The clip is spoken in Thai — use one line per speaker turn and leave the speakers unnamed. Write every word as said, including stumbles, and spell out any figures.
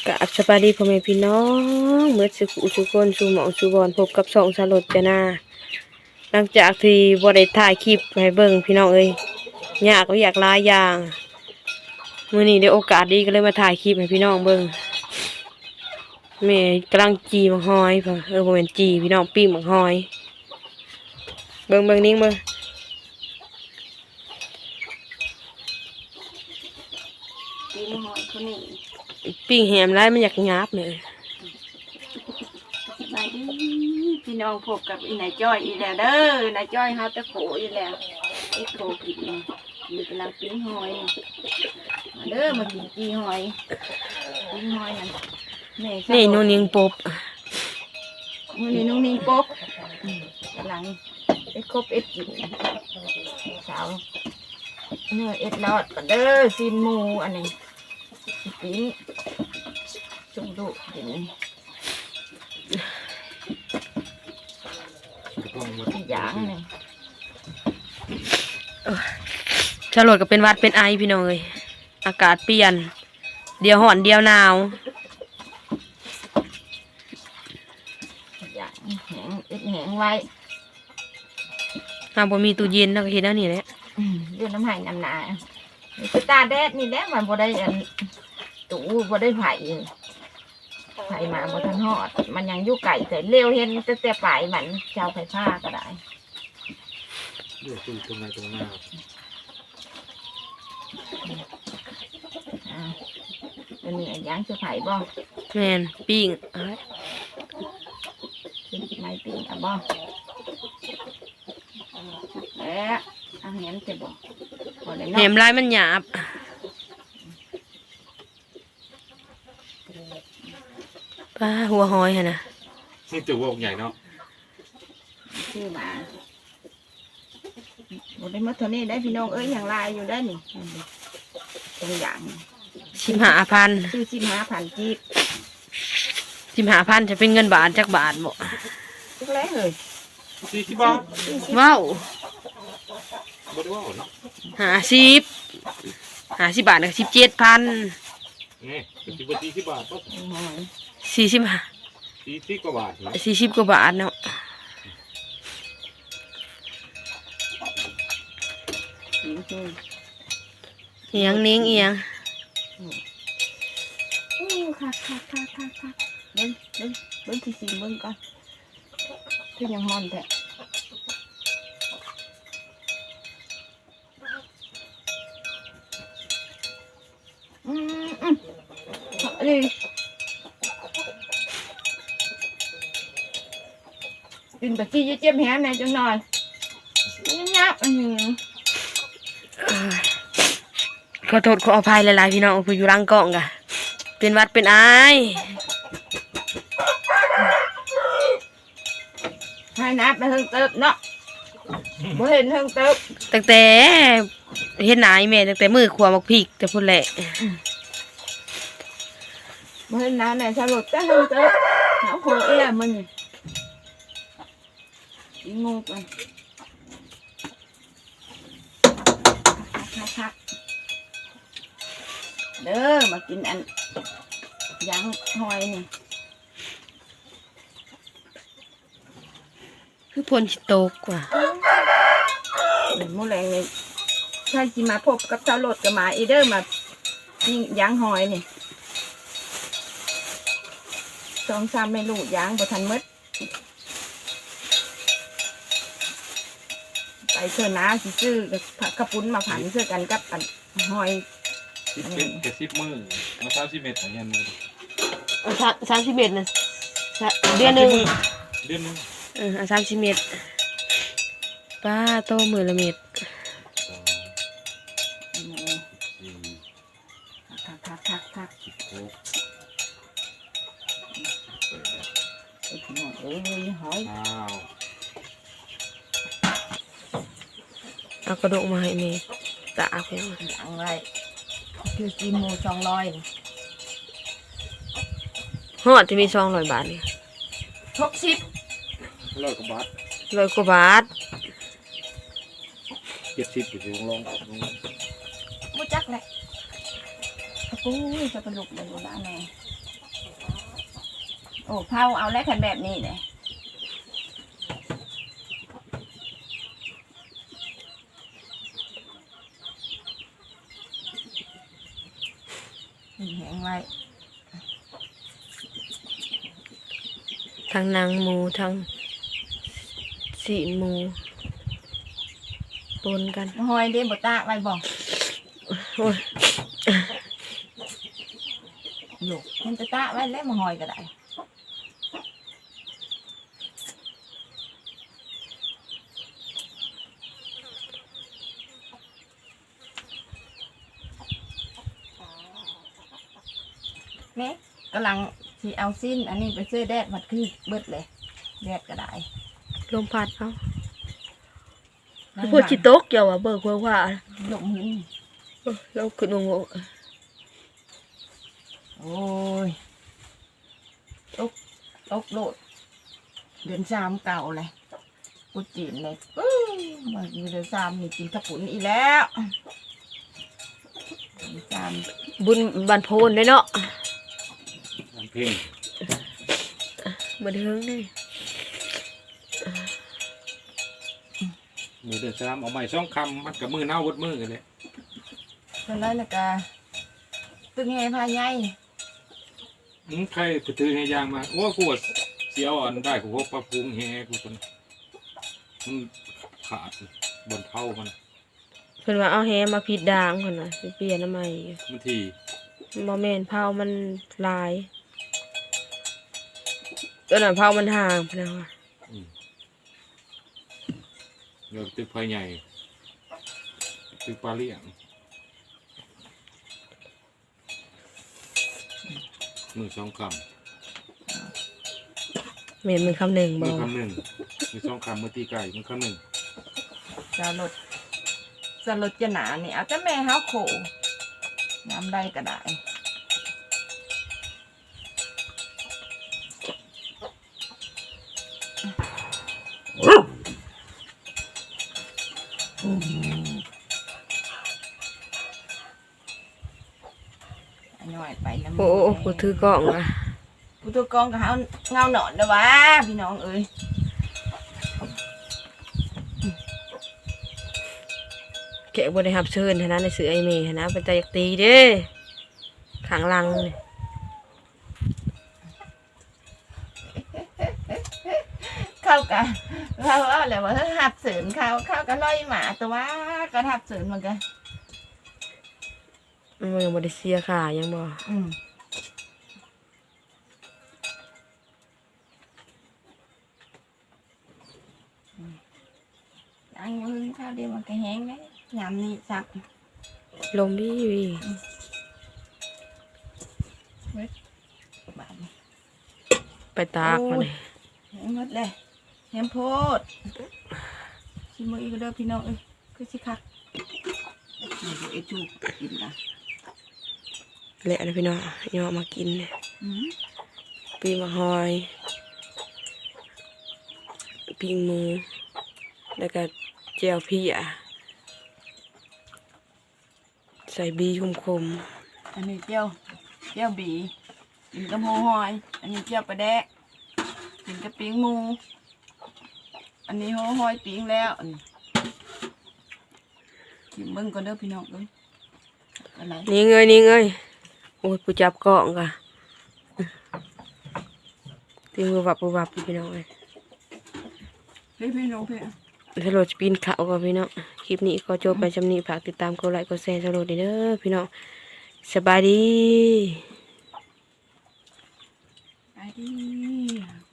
กราบสวัสดีพ่อแม่พี่น้องเมื่อสุขสุคนสู่หมองสู่บอนพบกับช่องสลดจ้านาหลังจากที่บ่ได้ถ่ายคลิปให้เบิ่งพี่น้องเอ้ยยากก็อยากหลายอย่างมื้อนี้ได้โอกาสดีก็เลยมาถ่ายคลิปให้พี่น้องเบิ่งแม่กำลังจีมังหอยพ่อเออบ่แม่นจีพี่น้องปิ้งมังหอยเบิ่งเบิ่งนิ่งเบิ่ง
ปีมหอยคนนี้
ปิ้งแหมหลายมันอยากหยาบเลย
สบายดีพี่น้องพบกับอีนายจ้อยอีแล้วเด้อนายจ้อยเฮาตะโขอีแล้วไอ้โขกินนี่มีกำลังปิ้งหอยมาเด้อมากินจีหอยปิ้งหอยนั่นแม่
นี่นูนิงปบ
มื้อนี้น้องนิ่งปุ๊บกำลังเอ็ดครบเอ็ดกินสาวเนื้อเอ็ดลอดกันเด้อซีนหมูอันนี้ปิ้งจุ่มดุกินอีกอย่างหนึ่ง
ฉลดก็เป็นหวัดเป็นไอพี่น้องเอ้ยอากาศเปลี่ยนเดียวร้อนเดียวหนาว
อย่างแห้งเอ็ดแห้งไว้
ถ้าบ่มีตู้เย็นเราก็เฮ็ดแนวนี้แหละ
เดือนน้ำไหายน้ำหนานี่คือตาแดดนี่แหละมันบ่ได้อันตู้บ่ได้ไผ่ไผ่มาบ่ทันฮอดมันยังอยู่ไก่แต่เร็วเห็นแต่แต่ปลายมันเจ้าไผ่ผ้าก็ได้
เดี๋ยวคุยตรงไหนตรงหน้า
อ่าตัวนี้อันยังจะไผ่บ่
แม่นปิ้งเอ้ย
เป็นไม้ปีนอ่ะบ่แล้วอาหารจะบ่บ่ได้
แห
เนาะ
มลายมันหยาบป้าหัวหอยหั่นน่ะ
นี่ตัววงใหญ่เนาะ
ชื่อมาบ่ได้มาเท่านี้ได้พี่น้องเอ้ยอย่างลายอยู่ได้นี่ตรงอย่าง
สิบห้าพัน
ชื่อสิบห้าพันจีบ
สิบห้าพันจะเป็นเงินบาทจักบาทบ่
ทุกแล้วเลย
สี่สิบบาท
ว้าว
บ่ได้ว่าเนาะ
ห้าสิบห้าสิบบาทก็สิบเจ็ดพัน
นี่เป็นสิบกว่าสี่สิบบาทปั๊บ
สี่สิบห้า
สี่สิบกว่าบาทเนาะ
สี่สิบกว่าบาทเนาะ
จริงจริง
เอียงนิ้งเอียง
โอ้ค่ะค่ะค่ะค่ะค่ะเบิ้งเบิ้งเบิ้งที่สี่เบิ้งก่อนคือยังฮอนแท้อืมอืมเอาเลยกินแบบที่เจ็บแหนในจังหน่อยยับอืม
ขอโทษขออภัยหลายๆพี่น้องผู้อยู่หลังกล้องกะเป็นหวัดเป็นไอ
ให้นับไปเพิ่งเติบเนาะบ่เห็นเพิ่งเติบ
ตั้งแต่เฮ็ดหนาอีแม่ตั้งแต่มือขวามักพริกแต่พุ่นแหละ
บ่เห็นน้ำไหนสลดแต่เพิ่งเติบหาโคเอ้ยมันนี่อีงูกันคักๆเด้อมากินอันยังหอยนี่
คือพลสิตกว่ะ
เดี๋ยวมื้อแรงนี่ใช่สิมาพบกับสลดกับหมาอีเด้อมานี่ยังหอยนี่สองสามไม่รู้ยังบ่ทันหมดไปเถอะนะสิซื้อผักกระปุ้นมาผันเสื้อกันกับอันหอย
สิบเป็นเจ็ดสิบมือมาสามสิบเมตรอย่างเงี้ยมือ
สามสิบเอ็ดนะเดือนหนึ่ง
เดือนหนึง
เออสามสิบเอ็ดป้าโตมือละเม็ด
สองสี่
ทักทักทักทัก
สิบหก
ไอ้พี่น้องเอ้ยหอย
เก้า
เอากระดูกมาให้แม่ตาเอาไปเอา
หลังไรคือกินหมูสองร้อย
ฮอดจะมีซองร้อยบาทนี่
หกสิบ
ร้อยกว่าบาท
ร้อยกว่าบาท
เจ็ดสิบอยู่ที่ลงลง
มูจักแหละโอ้ยจะเป็นลูกเลยนะแม่โอ้เผาเอาแล้วคันแบบนี้เลยแห้งไว้
ทั้งนางหมูทั้งสีนหมูปนกัน
หอยเด้บ่ตากไว้บ่
โอ้ย
หยกมันจะตากไว้แล้วมาหอยก็ได้นี่กำลังที่เอาสิ้นอันนี้ไปซื้อแดดมัดคือเบิดเลยแดดก็ได้
ลมพัดเอาพูดชิโต๊กเกี่ยวอะเบิกว่าว่า
หลงหิน
เราขึ้นงง
โอ้ยตกตกโลดเดือนสามเก่าเลยกูจีนเลยอื้อมาเดือนสามนี่กินขปุ่นอีกแล้วเดือนสาม
บุญบันโพนได้เนาะ
ทำเพลง
บันเทิงนี่
มือเดือนสามเอาใหม่ช่องคำมันกับมือเน่าวัดมือกันเลย
ตอนนั้นนะกะตึงแห่พายาย
มึงใครไปถือให้ยางมาโอ้กูว่าเสียวอันได้กูว่าปลาพุงแฮกูคนมันขาดบนเท้ามัน
เพิ่นว่าเอาแฮมาผิดด่างเพิ่นน่ะสิเปลี่ยนทำไม
มันที
บ่แม่นเผามันลายตอนนั้นเผามันห่างเพิ่นว่า
อืมเดี๋ยวตึกไฟใหญ่ตึกปลาเลี้ยงมือสองค
แม่นมือคำหนึ่ง
ำ
บ่
มือคำหนึ่งมือสองคำมือตีไก่มือคำหนึ่ง
สลดสลดจะหนานี่เอาแต่แม่เฮาโขน้ำได้ก็ได้หน่อยไปน้ำ
โอ้โอ้กูถือกล้องอ่ะ
ผู้ตัวกองกับเฮาเงาหนอนเด้อวะพี่น้องเอ้ย
แกะบ่ได้รับเชิญหั้นนะในสื่อไอเมย์หั้นนะเป็นตาอยากตีเด้ข้างหลังนี่
เข้ากันเข้าเอาเลยว่าเฮ้ยหับเสริญเข้าเข้ากันลอยหมาแต่ว่าก็หับเสริญเหมือนกัน
มันยังบ่ได้เสียค่ายังบ่
อืมอันมือข้าวเดียวมันก็แห้งเลยยำนี่สัก
ลมบี้วี
บาทนี่
ไปตากมันนี่
แห้งหมดเลยแห้งโพดชิมมืออีกเด้อพี่น้องเอ้ยคือสิคักนี่ดูไอ้จูกินนะ
แหละนะพี่น้องย่อมากินเนี่ย
อืม
ปีมะฮอยปิ้งหมูแล้วก็แจ่วพี่อ่ะใส่บีคม
อันนี้เจียวเจียวบีกินกับหัวหอย อันนี้เจียวปลาแดกกินกับปิ้งหมู อันนี้หัวหอยปิ้งแล้วอันนี้กินเบิ่งก่อนเด้อพี่น้องเอ้ยอะไร
ๆนี่เงยนี่เงยโอ้ยปูจับกล่องกะตีมือวับปูวับพี่น้องเลย
เฮ้ยพี่น้องพี่
สโลดจะปีนเขาก่อนพี่น้องคลิปนี้ก็จบไปจำนี้ฝากติดตามกดไลค์กดแชร์สโลดเด้อพี่น้องสบายดี
ไปดิ